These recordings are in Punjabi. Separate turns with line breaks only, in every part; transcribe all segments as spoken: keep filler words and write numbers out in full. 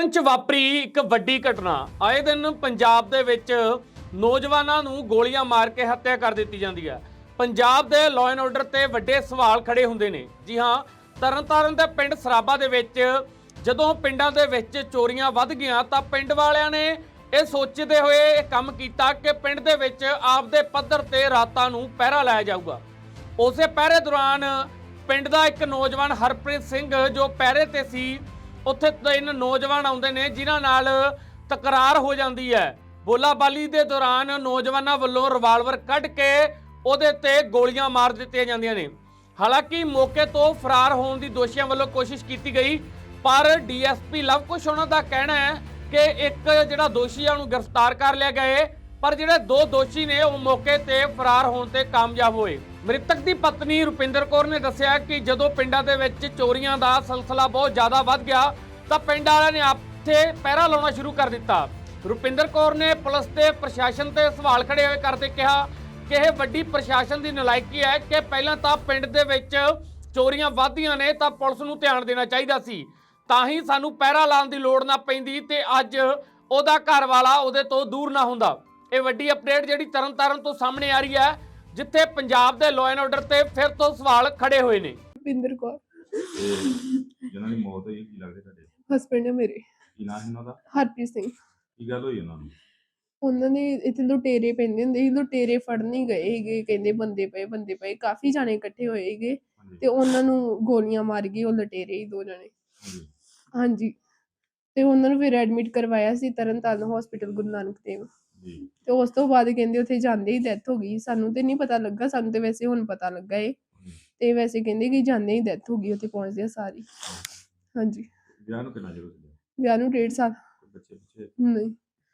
ਤਰਨ ਚ ਵਾਪਰੀ ਇੱਕ ਵੱਡੀ ਘਟਨਾ। ਆਏ ਦਿਨ ਪੰਜਾਬ ਦੇ ਵਿੱਚ ਨੌਜਵਾਨਾਂ ਨੂੰ ਗੋਲੀਆਂ ਮਾਰ ਕੇ ਹੱਤਿਆ ਕਰ ਦਿੱਤੀ ਜਾਂਦੀ ਹੈ। ਪੰਜਾਬ ਦੇ ਲਾਅ ਐਂਡ ਆਰਡਰ ਤੇ ਵੱਡੇ ਸਵਾਲ ਖੜੇ ਹੁੰਦੇ ਨੇ। ਜੀ ਹਾਂ, ਤਰਨਤਾਰਨ ਦੇ ਪਿੰਡ ਸਰਾਬਾ ਦੇ ਵਿੱਚ ਜਦੋਂ ਪਿੰਡਾਂ ਦੇ ਵਿੱਚ ਚੋਰੀਆਂ ਵੱਧ ਗਈਆਂ ਤਾਂ ਪਿੰਡ ਵਾਲਿਆਂ ਨੇ ਇਹ ਸੋਚਦੇ ਹੋਏ ਇਹ ਕੰਮ ਕੀਤਾ ਕਿ ਪਿੰਡ ਦੇ ਵਿੱਚ ਆਪਦੇ ਪੱਧਰ ਤੇ ਰਾਤਾਂ ਨੂੰ ਪਹਿਰਾ ਲਾਇਆ ਜਾਊਗਾ। ਉਸੇ ਪਹਿਰੇ ਦੌਰਾਨ ਪਿੰਡ ਦਾ ਇੱਕ ਨੌਜਵਾਨ ਹਰਪ੍ਰੀਤ ਸਿੰਘ ਜੋ ਪਹਿਰੇ ਤੇ ਸੀ, ਉੱਥੇ ਤਿੰਨ ਨੌਜਵਾਨ ਆਉਂਦੇ ਨੇ ਜਿਨ੍ਹਾਂ ਨਾਲ ਤਕਰਾਰ ਹੋ ਜਾਂਦੀ ਹੈ। ਬੋਲਾਬਾਲੀ ਦੇ ਦੌਰਾਨ ਨੌਜਵਾਨਾਂ ਵੱਲੋਂ ਰਿਵਾਲਵਰ ਕੱਢ ਕੇ ਉਹਦੇ ਤੇ ਗੋਲੀਆਂ ਮਾਰ ਦਿੱਤੀਆਂ ਜਾਂਦੀਆਂ ਨੇ। ਹਾਲਾਂਕਿ ਮੌਕੇ ਤੋਂ ਫਰਾਰ ਹੋਣ ਦੀ ਦੋਸ਼ੀਆਂ ਵੱਲੋਂ ਕੋਸ਼ਿਸ਼ ਕੀਤੀ ਗਈ, ਪਰ ਡੀਐਸਪੀ ਲਵਕੁਸ਼ ਉਹਨਾਂ ਦਾ ਕਹਿਣਾ ਹੈ ਕਿ ਇੱਕ ਜਿਹੜਾ ਦੋਸ਼ੀ ਆ ਉਹਨੂੰ ਗ੍ਰਿਫਤਾਰ ਕਰ ਲਿਆ ਗਏ, ਪਰ ਜਿਹੜੇ ਦੋ ਦੋਸ਼ੀ ਨੇ ਉਹ ਮੌਕੇ ਤੇ ਫਰਾਰ ਹੋਣ ਤੇ ਕਾਮਯਾਬ ਹੋਏ। ਮ੍ਰਿਤਕ ਦੀ ਪਤਨੀ ਰੁਪਿੰਦਰ ਕੌਰ ਨੇ ਦੱਸਿਆ ਕਿ ਜਦੋਂ ਪਿੰਡਾਂ ਦੇ ਵਿੱਚ ਚੋਰੀਆਂ ਦਾ ਸਿਲਸਿਲਾ ਬਹੁਤ ਜ਼ਿਆਦਾ ਵੱਧ ਗਿਆ ਤਾਂ ਪਿੰਡ ਵਾਲਿਆਂ ਨੇ ਆਪਥੇ ਪਹਿਰਾ ਲਾਉਣਾ ਸ਼ੁਰੂ ਕਰ ਦਿੱਤਾ। ਰੁਪਿੰਦਰ ਕੌਰ ਨੇ ਪੁਲਿਸ ਤੇ ਪ੍ਰਸ਼ਾਸਨ ਤੇ ਸਵਾਲ ਖੜੇ ਹੋਏ ਕਰਦੇ ਕਿਹਾ ਕਿ ਇਹ ਵੱਡੀ ਪ੍ਰਸ਼ਾਸਨ ਦੀ ਨਲਾਇਕੀ ਹੈ ਕਿ ਪਹਿਲਾਂ ਤਾਂ ਪਿੰਡ ਦੇ ਵਿੱਚ ਚੋਰੀਆਂ ਵੱਧਦੀਆਂ ਨੇ ਤਾਂ ਪੁਲਿਸ ਨੂੰ ਧਿਆਨ ਦੇਣਾ ਚਾਹੀਦਾ ਸੀ, ਤਾਂ ਹੀ ਸਾਨੂੰ ਪਹਿਰਾ ਲਾਉਣ ਦੀ ਲੋੜ ਨਾ ਪੈਂਦੀ ਤੇ ਅੱਜ ਉਹਦਾ ਘਰ ਵਾਲਾ ਉਹਦੇ ਤੋਂ ਦੂਰ ਨਾ ਹੁੰਦਾ। ਇਹ ਵੱਡੀ ਅਪਡੇਟ ਜਿਹੜੀ ਤਰਨਤਾਰਨ ਤੋਂ ਸਾਹਮਣੇ ਆ ਰਹੀ ਹੈ, ਜਿੱਥੇ ਪੰਜਾਬ ਦੇ ਲਾਅ ਐਂਡ ਆਰਡਰ ਤੇ ਫਿਰ ਤੋਂ ਸਵਾਲ ਖੜੇ ਹੋਏ ਨੇ।
ਰੁਪਿੰਦਰ ਕੌਰ
ਜਿਹਨਾਂ ਦੀ ਮੌਤ ਹੋਈ, ਕੀ ਲੱਗਦੇ ਤੁਹਾਡੇ?
ਹਸਬੈਂਡ ਹੈ ਮੇਰੇ।
ਕੀ ਨਾਂ ਸੀ ਉਹਨਾਂ ਦਾ?
ਹਰਪ੍ਰੀਤ ਸਿੰਘ।
ਕੀ ਗੱਲ ਹੋਈ ਉਹਨਾਂ ਨੂੰ?
ਉਹਨਾਂ ਨੇ ਇੱਥੇ ਲੁਟੇਰੇ ਪੈਂਦੇ ਹੁੰਦੇ ਸੀ, ਲੁਟੇਰੇ ਫੜਨ ਹੀ ਗਏ ਸੀਗੇ, ਕਹਿੰਦੇ ਬੰਦੇ ਪਏ ਬੰਦੇ ਪਏ ਕਾਫੀ ਜਾਣੇ ਇਕੱਠੇ ਹੋਏ ਸੀਗੇ ਤੇ ਉਹਨਾਂ ਨੂੰ ਗੋਲੀਆਂ ਮਾਰ ਗਏ। ਉਹ ਲੁਟੇਰੇ ਹੀ ਦੋ ਜਣੇ। ਹਾਂਜੀ, ਤੇ ਉਹਨਾਂ ਨੂੰ ਫਿਰ ਐਡਮਿਟ ਕਰਵਾਇਆ ਸੀ ਤਰਨਤਾਰਨ ਹਸਪੀਟਲ ਗੁਰੂ ਨਾਨਕ ਦੇਵ। ਤੇ ਉਸ ਤੋਂ ਬਾਅਦ ਕਹਿੰਦੇ ਉੱਥੇ ਜਾਂਦੇ ਹੀ ਡੈਥ ਹੋ ਗਈ। ਸਾਨੂੰ ਤੇ ਨਹੀਂ ਪਤਾ ਲੱਗਾ, ਸਾਨੂੰ ਤੇ ਵੈਸੇ ਹੁਣ ਪਤਾ ਲੱਗਾ ਏ। ਤੇ ਵੈਸੇ ਕਹਿੰਦੇ ਕਿ ਜਾਂਦੇ ਹੀ ਡੈਥ ਹੋ ਗਈ ਉੱਥੇ ਪਹੁੰਚਦੇ ਸਾਰੀ। ਹਾਂਜੀ।
ਵਿਆਹ ਨੂੰ ਕਿੰਨਾ ਚਿਰ ਹੋ ਗਿਆ?
ਵਿਆਹ ਨੂੰ ਡੇਢ ਸਾਲ।
ਬੱਚੇ ਪਿੱਛੇ?
ਨਹੀਂ।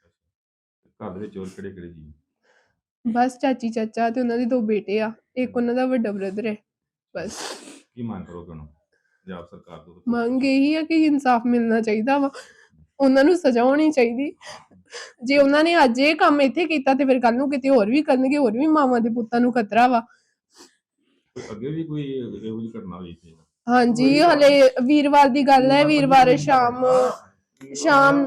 ਘਰ ਦੇ ਵਿੱਚ ਹੋਰ ਕਿਹੜੇ ਕਿਹੜੇ ਜੀ?
ਬਸ ਚਾਚੀ ਚਾਚਾ ਤੇ ਉਹਨਾਂ ਦੇ ਦੋ ਬੇਟੇ ਆ, ਇੱਕ ਉਹਨਾਂ ਦਾ ਵੱਡਾ ਬ੍ਰਦਰ ਹੈ। ਬਸ।
ਕੀ ਮੰਗ ਕਰੋਗੇ ਹੁਣ ਪੰਜਾਬ ਸਰਕਾਰ ਤੋਂ?
ਮੰਗ ਇਹੀ ਆ ਕਿ ਇਨਸਾਫ ਮਿਲਣਾ ਚਾਹੀਦਾ ਵਾ, ਉਹਨਾਂ ਨੂੰ ਸਜ਼ਾ ਹੋਣੀ ਚਾਹੀਦੀ। ਜੇ ਉਹਨਾਂ ਨੇ ਅੱਜ ਇਹ ਕੰਮ ਇੱਥੇ ਕੀਤਾ ਤੇ ਫਿਰ ਕੱਲ ਨੂੰ ਕਿਤੇ ਹੋਰ ਵੀ ਕਰਨਗੇ, ਹੋਰ ਵੀ ਮਾਵਾਂ ਦੇ ਪੁੱਤਾਂ ਨੂੰ ਖਤਰਾ ਵਾ।
ਅੱਗੇ ਵੀ ਕੋਈ ਇਹੋ ਜਿਹੀ ਘਟਨਾ ਹੋਈ ਸੀ?
ਹਾਂਜੀ, ਹਲੇ ਵੀਰਵਾਰ ਦੀ ਗੱਲ ਹੈ। ਵੀਰਵਾਰ ਸ਼ਾਮ ਸ਼ਾਮ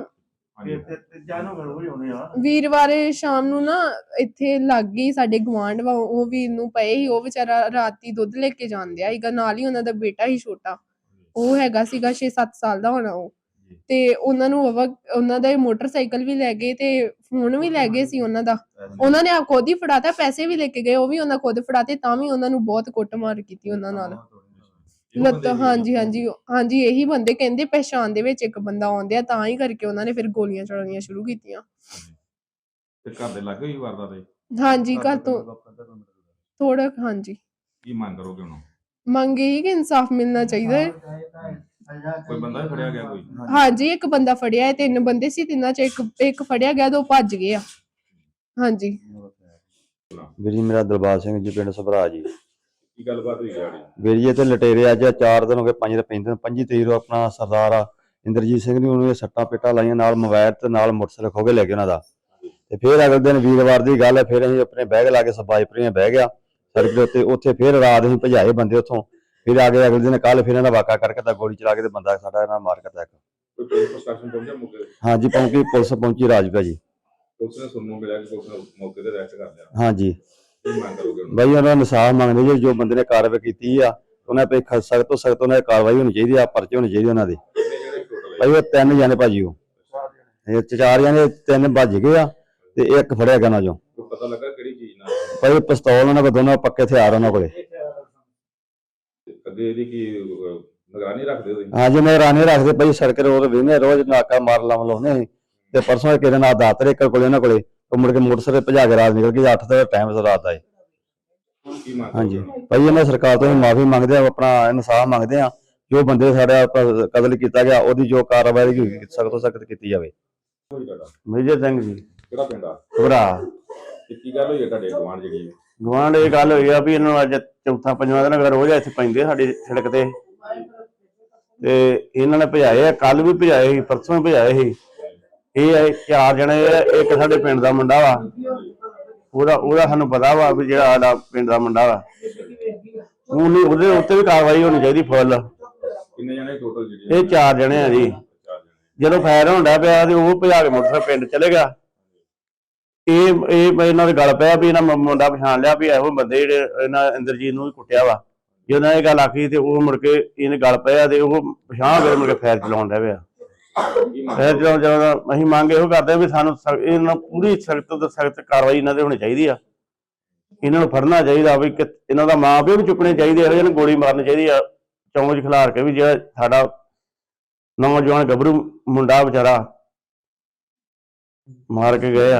ਵੀਰਵਾਰ ਸ਼ਾਮ ਨੂੰ ਨਾ ਇੱਥੇ ਲੱਗ ਗਈ ਸਾਡੇ ਗੁਆਂਢ ਵਾ, ਉਹ ਵੀਰ ਨੂੰ ਪਏ ਸੀ। ਉਹ ਵਿਚਾਰਾ ਰਾਤੀ ਦੁੱਧ ਲੈ ਕੇ ਜਾਂਦਿਆ ਸੀਗਾ, ਨਾਲ ਹੀ ਉਹਨਾਂ ਦਾ ਬੇਟਾ ਹੀ ਛੋਟਾ, ਉਹ ਹੈਗਾ ਸੀਗਾ ਛੇ ਸੱਤ ਸਾਲ ਦਾ ਹੋਣਾ ਉਹ। ਤੇ ਉਹਨਾਂ ਨੂੰ ਉਹਨਾਂ ਦਾ ਮੋਟਰਸਾਈਕਲ ਵੀ ਲੈ ਗਏ ਤੇ ਫੋਨ ਵੀ ਲੈ ਗਏ ਸੀ ਉਹਨਾਂ ਦਾ। ਉਹਨਾਂ ਨੇ ਆਪ ਖੁਦ ਹੀ ਫੜਾਤਾ, ਪੈਸੇ ਵੀ ਲੈ ਕੇ ਗਏ, ਉਹ ਵੀ ਉਹਨਾਂ ਖੁਦ ਫੜਾਤੇ, ਤਾਂ ਵੀ ਉਹਨਾਂ ਨੂੰ ਬਹੁਤ ਕੁੱਟਮਾਰ ਕੀਤੀ ਉਹਨਾਂ ਨਾਲ। ਲੱਤ ਹਾਂਜੀ ਹਾਂਜੀ ਹਾਂਜੀ ਇਹੀ ਬੰਦੇ ਕਹਿੰਦੇ ਪਹਿਚਾਣ ਦੇ ਵਿੱਚ ਇੱਕ ਬੰਦਾ ਆਉਂਦੇ ਆ, ਤਾਂ ਹੀ ਕਰਕੇ ਉਹਨਾਂ ਨੇ ਫਿਰ ਗੋਲੀਆਂ ਚਲਾਉਣੀਆਂ ਸ਼ੁਰੂ ਕੀਤੀਆਂ।
ਤੇ ਘਰ ਦੇ ਲੱਗੇ ਹੀ ਵਾਰਦਾਤ?
ਹਾਂਜੀ, ਘਰ ਤੋਂ ਥੋੜਾ। ਹਾਂਜੀ।
ਕੀ ਮੰਗ ਕਰੋਗੇ ਹੁਣ?
ਮੰਗ ਇਹੀ ਕਿ ਇਨਸਾਫ ਮਿਲਣਾ ਚਾਹੀਦਾ ਹੈ।
ਕੋਈ ਬੰਦਾ ਵੀ ਫੜਿਆ ਗਿਆ? ਕੋਈ?
ਹਾਂਜੀ, ਇੱਕ ਬੰਦਾ ਫੜਿਆ ਹੈ। ਤਿੰਨ ਬੰਦੇ ਸੀ, ਤਿੰਨਾਂ ਚ ਇੱਕ ਇੱਕ ਫੜਿਆ ਗਿਆ, ਦੋ ਭੱਜ ਗਏ ਆ। ਹਾਂਜੀ।
ਵੀਰ ਜੀ ਮੇਰਾ ਦਿਲਬਾਗ ਸਿੰਘ ਜੀ, ਪਿੰਡ ਸਭਰਾ ਜੀ।
ਕੀ ਗੱਲਬਾਤ ਹੋਈ ਹੈ?
ਵੀਰ ਜੀ ਇੱਥੇ ਲਟੇਰੇ ਅੱਜ ਚਾਰ ਦਿਨ ਹੋ ਗਏ, ਪੰਜ ਪੈਂਦੇ ਪੰਜੀ ਤਰੀਕ ਨੂੰ ਆਪਣਾ ਸਰਦਾਰ ਆ ਇੰਦਰਜੀਤ ਸਿੰਘ ਨੇ ਉਹਨੂੰ ਸੱਟਾਂ ਪੇਟਾਂ ਲਾਈਆਂ, ਨਾਲ ਮੋਬਾਈਲ ਤੇ ਨਾਲ ਮੋਟਰਸਾਈਕਲ ਖੋ ਕੇ ਲੈ ਗਏ ਉਹਨਾਂ ਦਾ। ਤੇ ਫਿਰ ਅਗਲੇ ਦਿਨ ਵੀਰਵਾਰ ਦੀ ਗੱਲ ਹੈ, ਫਿਰ ਅਸੀਂ ਆਪਣੇ ਬੈਗ ਲਾ ਕੇ ਸਬਾਈਪਰੀਆਂ ਬਹਿ ਗਿਆ ਸੜਕ ਦੇ ਉੱਤੇ। ਉੱਥੇ ਫਿਰ ਰਾਤ ਅਸੀਂ ਭਜਾਏ ਬੰਦੇ ਉੱਥੋਂ। ਫਿਰ ਆ ਗਏ ਅਗਲੇ ਦਿਨ ਕੱਲ, ਫਿਰ ਇਹਨਾਂ ਦਾ ਵਾਕਾ ਕਰਕੇ ਤਾਂ ਗੋਲੀ ਚਲਾ ਕੇ ਤੇ ਬੰਦਾ ਸਾਡਾ ਇਹਨਾਂ ਮਾਰ ਕੇ ਤੱਕ।
ਕੋਈ ਪੁਲਿਸ ਪ੍ਰਸ਼ਾਸਨ ਪਹੁੰਚਿਆ ਮੌਕੇ ਤੇ?
ਹਾਂਜੀ ਪਹੁੰਚੀ, ਪੁਲਿਸ ਪਹੁੰਚੀ ਰਾਜਪਾ ਜੀ।
ਪੁਲਿਸ ਨੇ ਸੁਣਨ ਨੂੰ ਮਿਲਿਆ ਕਿ ਪੁਲਿਸ ਨੇ ਮੌਕੇ ਤੇ ਅਰੈਸਟ ਕਰ ਲਿਆ।
ਹਾਂਜੀ।
ਕੀ ਮੰਗ ਕਰੋਗੇ ਹੁਣ?
ਬਾਈ ਉਹਨਾਂ ਨੂੰ ਇਨਸਾਫ ਮੰਗਦੇ ਜੀ, ਜੋ ਬੰਦੇ ਨੇ ਕਾਰਵਾਈ ਕੀਤੀ ਆ ਉਹਨਾਂ ਤੇ ਸਖਤ ਤੋਂ ਸਖਤ ਉਹਨਾਂ ਦੀ ਕਾਰਵਾਈ ਹੋਣੀ ਚਾਹੀਦੀ ਆ, ਪਰਚੇ ਹੋਣੇ ਚਾਹੀਦੇ ਉਹਨਾਂ ਦੇ। ਭਾਈ ਉਹ ਤਿੰਨ ਜਾਣੇ ਭਾਜੀ, ਉਹ ਚਾਰ ਜਾਣੇ, ਤਿੰਨ ਭੱਜ ਗਏ ਆ ਤੇ ਇੱਕ ਫੜਿਆ ਗਿਆ ਉਹਨਾਂ ਚੋਂ।
ਪਤਾ ਲੱਗਾ ਕਿਹੜੀ ਚੀਜ਼ ਨਾਲ?
ਭਾਈ ਪਿਸਤੌਲ ਉਹਨਾਂ ਕੋਲ, ਦੋਨੋਂ ਪੱਕੇ ਹਥਿਆਰ ਉਹਨਾਂ ਕੋਲੇ।
ਅੱਗੇ ਇਹਦੀ ਕੀ ਨਿਗਰਾਨੀ ਰੱਖਦੇ ਹੋ?
ਹਾਂਜੀ ਨਿਗਰਾਨੀ ਰੱਖਦੇ ਭਾਈ, ਸੜਕ ਰੋਡ ਵੇਨੇ ਰੋਜ਼ ਨਾਕਾ ਮਾਰ ਲਾਉਂ ਲਾਉਂਦੇ ਸੀ। ਤੇ ਪਰਸੋਂ ਕਿਹਦੇ ਨਾਲ ਦਾਤਰ ਇੱਕ ਕੋਲੇ ਉਹਨਾਂ ਕੋਲੇ, ਉਹ ਮੁੜ ਕੇ ਮੋਟਰਸਾਈਕਲ ਭਜਾ ਕੇ ਰਾਤ ਨਿਕਲ ਗਈ। ਅੱਠ ਦਾ ਟਾਈਮ ਰਾਤ ਦਾ। ਹਾਂਜੀ ਭਾਈ ਇਹਨਾਂ ਸਰਕਾਰ ਤੋਂ ਮਾਫੀ ਮੰਗਦੇ ਆ, ਆਪਣਾ ਇਨਸਾਫ ਮੰਗਦੇ ਆ। ਜੋ ਬੰਦੇ ਸਾਡਾ ਕਤਲ ਕੀਤਾ ਗਿਆ ਉਹਦੀ ਜੋ ਕਾਰਵਾਈ ਸਖਤ ਤੋਂ ਸਖਤ ਕੀਤੀ ਜਾਵੇ। ਮੇਜਰ ਸਿੰਘ ਜੀ।
ਕਿਹੜਾ ਪਿੰਡ ਆ?
ਭਰਾ।
ਕੀ ਗੱਲ ਹੋਈ ਹੈ ਤੁਹਾਡੇ ਗੁਆਂਢ ਜਿਹੜੀ?
ਗੁਆਂਢ ਇਹ ਗੱਲ ਹੋਈ ਆ ਵੀ ਇਹਨੂੰ ਅੱਜ ਚੌਥਾ ਪੰਜਵਾਂ ਦਿਨ ਅਗਰ ਰੋਜ਼ ਇੱਥੇ ਪੈਂਦੇ ਸਾਡੀ ਸੜਕ ਤੇ, ਤੇ ਇਹਨਾਂ ਨੇ ਭਜਾਏ ਆ। ਕੱਲ ਵੀ ਭਜਾਏ ਸੀ, ਪਰਸੋਂ ਵੀ ਭਜਾਏ ਸੀ। ਇਹ ਚਾਰ ਜਣੇ, ਇੱਕ ਸਾਡੇ ਪਿੰਡ ਦਾ ਮੁੰਡਾ ਵਾ, ਉਹਦਾ ਉਹਦਾ ਸਾਨੂੰ ਪਤਾ ਵਾ ਵੀ ਜਿਹੜਾ ਸਾਡਾ ਪਿੰਡ ਦਾ ਮੁੰਡਾ ਵਾ, ਉਹਨੇ ਉਹਦੇ ਉੱਤੇ ਵੀ ਕਾਰਵਾਈ ਹੋਣੀ ਚਾਹੀਦੀ ਫੁੱਲ।
ਕਿੰਨੇ ਜਣੇ ਟੋਟਲ ਜਿਹੜੇ?
ਇਹ ਚਾਰ ਜਣੇ ਆ ਜੀ।
ਜਦੋਂ ਫਾਇਰ ਹੋਣ ਡਿਆ ਪਿਆ ਤੇ ਉਹ ਭਜਾ ਕੇ ਮੋਟਰਸਾਈਕਲ ਪਿੰਡ ਚਲੇ ਗਿਆ। ਇਹ ਇਹ ਇਹਨਾਂ ਦੇ ਗੱਲ ਪਿਆ ਵੀ ਇਹਨਾਂ ਮੁੰਡਾ ਪਛਾਣ ਲਿਆ ਵੀ ਇਹੋ ਬੰਦੇ ਜਿਹੜੇ ਇਹਨਾਂ ਇੰਦਰਜੀਤ ਨੂੰ ਵੀ ਕੁੱਟਿਆ ਵਾ। ਜਦੋਂ ਇਹਨਾਂ ਇਹ ਗੱਲ ਆਖੀ ਤੇ ਉਹ ਮੁੜ ਕੇ ਇਹਨੇ ਗੱਲ ਪਿਆ ਤੇ ਉਹ ਪਛਾਣ ਕੇ ਮੁੜ ਕੇ ਫਾਇਰ ਚਲਾਉਣ ਡਿਆ ਪਿਆ। ਫਾਇਰ ਚਲਾਉਣ ਚਲਾਉਂਦਾ ਅਸੀਂ ਮੰਗ ਇਹੋ ਕਰਦੇ ਹਾਂ ਵੀ ਸਾਨੂੰ ਇਹਨਾਂ ਪੂਰੀ ਸਖਤ ਤੋਂ ਸਖਤ ਕਾਰਵਾਈ ਇਹਨਾਂ ਤੇ ਹੋਣੀ ਚਾਹੀਦੀ ਆ। ਇਹਨਾਂ ਨੂੰ ਫੜਨਾ ਚਾਹੀਦਾ ਵੀ ਇਹਨਾਂ ਦਾ ਮਾਂ ਪਿਓ ਵੀ ਚੁੱਕਣੇ ਚਾਹੀਦੇ, ਇਹੋ ਜਿਹੇ ਨੂੰ ਗੋਲੀ ਮਾਰਨੀ ਚਾਹੀਦੀ ਆ ਚੌਂਚ ਖਿਲਾਰ ਕੇ ਵੀ ਜਿਹੜਾ ਸਾਡਾ ਨੌਜਵਾਨ ਗੱਭਰੂ ਮੁੰਡਾ ਵਿਚਾਰਾ ਮਾਰ ਕੇ ਗਏ ਆ।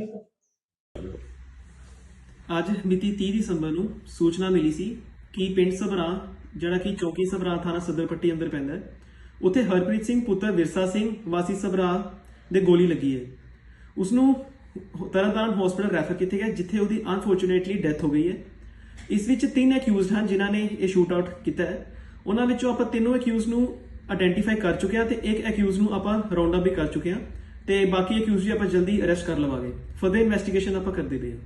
ਅੱਜ ਮਿਤੀ ਤੀਹ ਦਸੰਬਰ ਨੂੰ ਸੂਚਨਾ ਮਿਲੀ ਸੀ ਕਿ ਪਿੰਡ ਸਭਰਾ ਜਿਹੜਾ ਕਿ ਚੌਕੀ ਸਭਰਾ ਥਾਣਾ ਸਦਰਪੱਟੀ ਅੰਦਰ ਪੈਂਦਾ ਹੈ, ਉੱਥੇ ਹਰਪ੍ਰੀਤ ਸਿੰਘ ਪੁੱਤਰ ਵਿਰਸਾ ਸਿੰਘ ਵਾਸੀ ਸਭਰਾ ਦੇ ਗੋਲੀ ਲੱਗੀ ਹੈ। ਉਸਨੂੰ ਤਰਨਤਾਰਨ ਹਸਪੀਟਲ ਰੈਫਰ ਕੀਤਾ ਗਿਆ ਜਿੱਥੇ ਉਹਦੀ ਅਨਫੋਰਚੂਨੇਟਲੀ ਡੈਥ ਹੋ ਗਈ ਹੈ। ਇਸ ਵਿੱਚ ਤਿੰਨ ਅਕਿਊਜ਼ਡ ਹਨ ਜਿਨ੍ਹਾਂ ਨੇ ਇਹ ਸ਼ੂਟ ਆਊਟ ਕੀਤਾ ਹੈ। ਉਹਨਾਂ ਵਿੱਚੋਂ ਆਪਾਂ ਤਿੰਨੋਂ ਅਕਿਊਜ਼ ਨੂੰ ਆਇਡੈਂਟੀਫਾਈ ਕਰ ਚੁੱਕੇ ਹਾਂ ਤੇ ਇੱਕ ਅਕਿਊਜ਼ ਨੂੰ ਆਪਾਂ ਰਾਉਂਡ ਅਪ ਵੀ ਕਰ ਚੁੱਕੇ ਹਾਂ ਤੇ ਬਾਕੀ ਅਕਿਊਜ਼ ਵੀ ਆਪਾਂ ਜਲਦੀ ਅਰੈਸਟ ਕਰ ਲਵਾਂਗੇ। ਫਰਦਰ ਇਨਵੈਸਟੀਗੇਸ਼ਨ ਆਪਾਂ ਕਰਦੇ ਪਏ ਹਾਂ।